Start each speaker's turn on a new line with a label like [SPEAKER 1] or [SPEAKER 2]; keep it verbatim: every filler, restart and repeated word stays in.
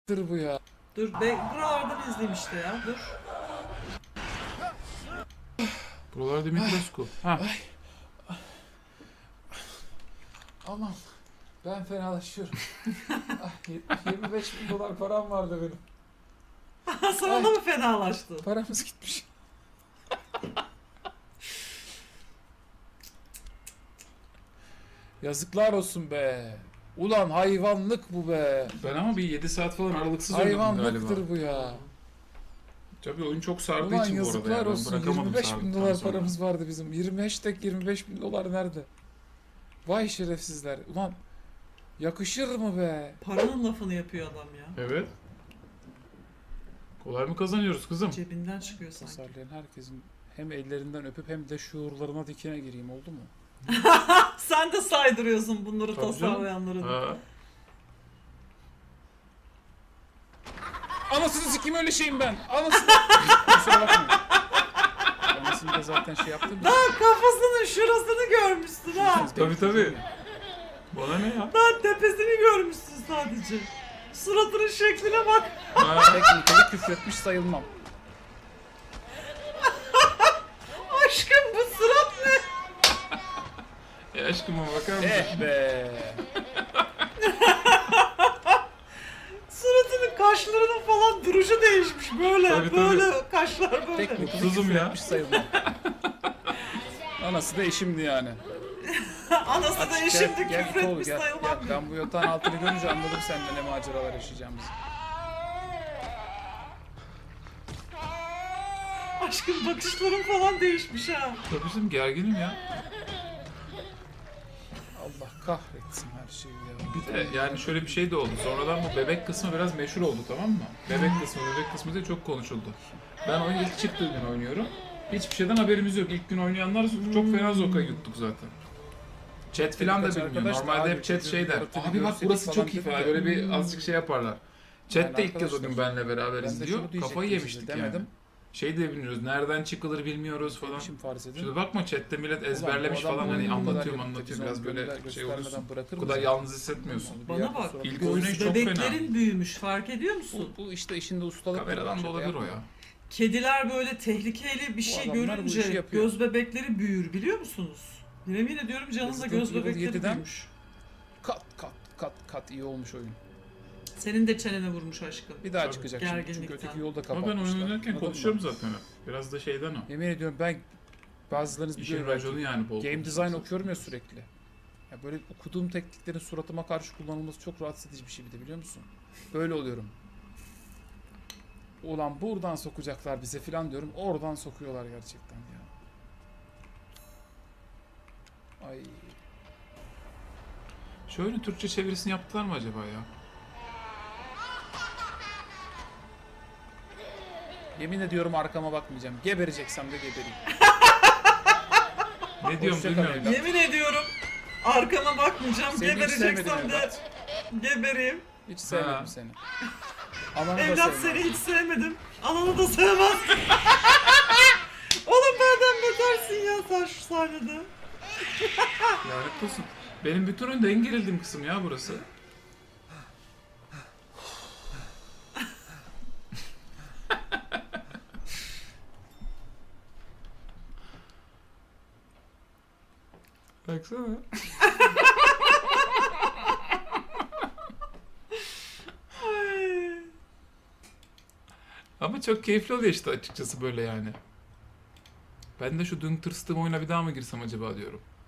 [SPEAKER 1] bu ya.
[SPEAKER 2] Dur be, buralardan izleyeyim işte ya. Dur.
[SPEAKER 3] Buralar Dimitrescu. Ha.
[SPEAKER 1] Aman ben fenalaşıyorum. Ah, yirmi beş bin dolar param vardı benim.
[SPEAKER 2] Sana
[SPEAKER 1] Ay.
[SPEAKER 2] da mı fenalaştın?
[SPEAKER 1] Paramız gitmiş. Yazıklar olsun be. Ulan hayvanlık bu be.
[SPEAKER 3] Ben ama bir yedi saat falan aralıksız oynadım galiba.
[SPEAKER 1] Hayvanlıktır bu ya.
[SPEAKER 3] Tabii oyun çok sardığı
[SPEAKER 1] Ulan
[SPEAKER 3] için bu arada.
[SPEAKER 1] yazıklar
[SPEAKER 3] Yani. Ben
[SPEAKER 1] olsun.
[SPEAKER 3] bırakamadım
[SPEAKER 1] yirmi beş bin
[SPEAKER 3] sardıktan
[SPEAKER 1] dolar
[SPEAKER 3] sonra.
[SPEAKER 1] paramız vardı bizim. yirmi hashtag yirmi beş bin dolar nerede? Vay şerefsizler. Ulan yakışır mı be?
[SPEAKER 2] Paranın lafını yapıyor adam ya.
[SPEAKER 3] Evet. Kolay mı kazanıyoruz kızım?
[SPEAKER 2] Cebinden çıkıyor sanki.
[SPEAKER 1] Tasarlayan herkesin hem ellerinden öpüp hem de şuurlarına dikine gireyim, oldu mu?
[SPEAKER 2] Sen de saydırıyorsun bunları
[SPEAKER 3] Tabii canım.
[SPEAKER 2] tasarlayanları.
[SPEAKER 3] Ha.
[SPEAKER 1] Anasını sikeyim, öyle şeyim ben. Anasını. Kusura bakmayın. Anasını da zaten şey yaptım.
[SPEAKER 2] Daha kafasının şurasını görmüşsün ha.
[SPEAKER 3] Tabii tabii. Bana ne ya?
[SPEAKER 2] Daha tepesini görmüşsün sadece. Suratının şekline bak.
[SPEAKER 3] Ha.
[SPEAKER 1] Teknikali küfretmiş sayılmam.
[SPEAKER 2] Aşkım bu surat ne?
[SPEAKER 3] E aşkıma bakar mısın?
[SPEAKER 1] Eh be.
[SPEAKER 2] Suratının kaşlarının falan duruşu değişmiş böyle.
[SPEAKER 3] Tabii, tabii.
[SPEAKER 2] böyle kaşlar böyle.
[SPEAKER 1] Teknikali
[SPEAKER 3] Mutsuzum ya.
[SPEAKER 1] küfretmiş sayılmam. Anası da eşimdi yani.
[SPEAKER 2] Anası da
[SPEAKER 1] Gel,
[SPEAKER 2] eşimdi
[SPEAKER 1] gel,
[SPEAKER 2] küfretmiş
[SPEAKER 1] kol, gel,
[SPEAKER 2] sayılmam
[SPEAKER 1] gel.
[SPEAKER 2] diyor.
[SPEAKER 1] Ben bu yatağın altını görünce anladım seninle ne maceralar yaşayacağımızı.
[SPEAKER 2] Aşkım bakışların falan değişmiş ha.
[SPEAKER 3] Tabii canım, gerginim ya.
[SPEAKER 1] Allah kahretsin her şeyi ya.
[SPEAKER 3] Bir de yani şöyle bir şey de oldu. Sonradan bu bebek kısmı biraz meşhur oldu, tamam mı? Bebek kısmı, bebek kısmı da çok konuşuldu. Ben oyun ilk çıktığı gün oynuyorum. Hiçbir şeyden haberimiz yok. İlk gün oynayanlar çok fena zoka yuttuk zaten. Chat falan da
[SPEAKER 1] Birkaç
[SPEAKER 3] bilmiyor.
[SPEAKER 1] arkadaş da
[SPEAKER 3] Normalde
[SPEAKER 1] abi
[SPEAKER 3] hep chat
[SPEAKER 1] çocuğun
[SPEAKER 3] şey der.
[SPEAKER 1] yaratığını
[SPEAKER 3] Abi bak
[SPEAKER 1] görseydik
[SPEAKER 3] burası
[SPEAKER 1] falan
[SPEAKER 3] çok iyi
[SPEAKER 1] dedi
[SPEAKER 3] falan.
[SPEAKER 1] de,
[SPEAKER 3] Böyle bir
[SPEAKER 1] hmm.
[SPEAKER 3] azıcık şey yaparlar. Chat
[SPEAKER 1] Yani
[SPEAKER 3] de ilk kez o
[SPEAKER 1] arkadaşlar,
[SPEAKER 3] gün benle beraber
[SPEAKER 1] ben de
[SPEAKER 3] izliyor.
[SPEAKER 1] şunu diyecektim
[SPEAKER 3] Kafayı
[SPEAKER 1] size,
[SPEAKER 3] yemiştik
[SPEAKER 1] demedim.
[SPEAKER 3] yani. Şey de bilmiyoruz. Nereden çıkılır bilmiyoruz falan.
[SPEAKER 1] Demişim farz edin.
[SPEAKER 3] Şimdi bakma chatte millet ezberlemiş
[SPEAKER 1] Ulan bu adam
[SPEAKER 3] falan, hani
[SPEAKER 1] oyunu bu kadar
[SPEAKER 3] anlatıyorum
[SPEAKER 1] yapıp da
[SPEAKER 3] anlatıyorum
[SPEAKER 1] biz
[SPEAKER 3] biraz
[SPEAKER 1] onu
[SPEAKER 3] böyle
[SPEAKER 1] gönder-
[SPEAKER 3] şey olursun.
[SPEAKER 1] göstermeden bırakır
[SPEAKER 3] Bu kadar
[SPEAKER 1] mısın?
[SPEAKER 3] yalnız hissetmiyorsun.
[SPEAKER 1] Bir
[SPEAKER 2] Bana
[SPEAKER 1] yerden
[SPEAKER 2] bak,
[SPEAKER 1] sonra
[SPEAKER 3] İlk
[SPEAKER 1] bir-
[SPEAKER 3] oyunu
[SPEAKER 2] göz
[SPEAKER 3] çok
[SPEAKER 2] bebeklerin
[SPEAKER 3] fena.
[SPEAKER 2] büyümüş, fark ediyor musun?
[SPEAKER 1] Bu, bu işte işinde ustalık.
[SPEAKER 3] Kameradan da
[SPEAKER 1] Şaka
[SPEAKER 3] olabilir o
[SPEAKER 1] yapma.
[SPEAKER 3] ya.
[SPEAKER 2] Kediler böyle tehlikeli bir şey
[SPEAKER 1] adamlar bu işi
[SPEAKER 2] görünce
[SPEAKER 1] yapıyor.
[SPEAKER 2] göz bebekleri büyür, biliyor musunuz? Yemin ediyorum canınızda
[SPEAKER 1] Resident
[SPEAKER 2] göz
[SPEAKER 1] Evil
[SPEAKER 2] bebekleri
[SPEAKER 1] yediden
[SPEAKER 2] büyümüş.
[SPEAKER 1] Kat kat kat kat iyi olmuş oyun.
[SPEAKER 2] Senin de çenene vurmuş aşkım.
[SPEAKER 1] Bir daha
[SPEAKER 3] Tabii.
[SPEAKER 1] çıkacak şimdi çünkü
[SPEAKER 2] Gerginlikten.
[SPEAKER 1] öteki yolda
[SPEAKER 3] Ama
[SPEAKER 1] kapatmışlar.
[SPEAKER 3] ben oyun oynarken
[SPEAKER 1] Anladın
[SPEAKER 3] konuşuyorum
[SPEAKER 1] mı?
[SPEAKER 3] zaten hep. Biraz da şeyden o.
[SPEAKER 1] Yemin ediyorum ben bazılarınız
[SPEAKER 3] İşin
[SPEAKER 1] biliyor
[SPEAKER 3] raconu
[SPEAKER 1] belki.
[SPEAKER 3] yani bol.
[SPEAKER 1] Game design
[SPEAKER 3] konuşuyorsun.
[SPEAKER 1] okuyorum ya sürekli. Ya böyle okuduğum tekniklerin suratıma karşı kullanılması çok rahatsız edici bir şey bir de, biliyor musun? Böyle oluyorum. Ulan buradan sokacaklar bize filan diyorum. Oradan sokuyorlar gerçekten ya. Ay.
[SPEAKER 3] Şu oyunun Türkçe çevirisini yaptılar mı acaba ya?
[SPEAKER 1] Yemin ediyorum arkama bakmayacağım. Gebereceksem de gebereyim.
[SPEAKER 3] Ne diyorum
[SPEAKER 1] Hoşça kal
[SPEAKER 3] bilmiyorum.
[SPEAKER 1] evlat.
[SPEAKER 2] Yemin ediyorum arkama bakmayacağım,
[SPEAKER 1] Seni hiç
[SPEAKER 2] gebereceksem
[SPEAKER 1] sevmedim
[SPEAKER 2] de
[SPEAKER 1] evlat.
[SPEAKER 2] gebereyim.
[SPEAKER 1] Hiç sevmedim
[SPEAKER 3] Ha.
[SPEAKER 1] seni. Ananı da
[SPEAKER 2] Evlat
[SPEAKER 1] sevmem.
[SPEAKER 2] seni hiç sevmedim. Ananı da sevmez. Oğlum benden betersin ya sen şu sahnede.
[SPEAKER 3] Lanet olsun. Benim bütün oyunda en gerildiğim kısım ya burası. Baksana.
[SPEAKER 2] Ay.
[SPEAKER 3] Ama çok keyifli oluyor işte açıkçası böyle yani. Ben de şu dün tırstığım oyuna bir daha mı girsem acaba diyorum.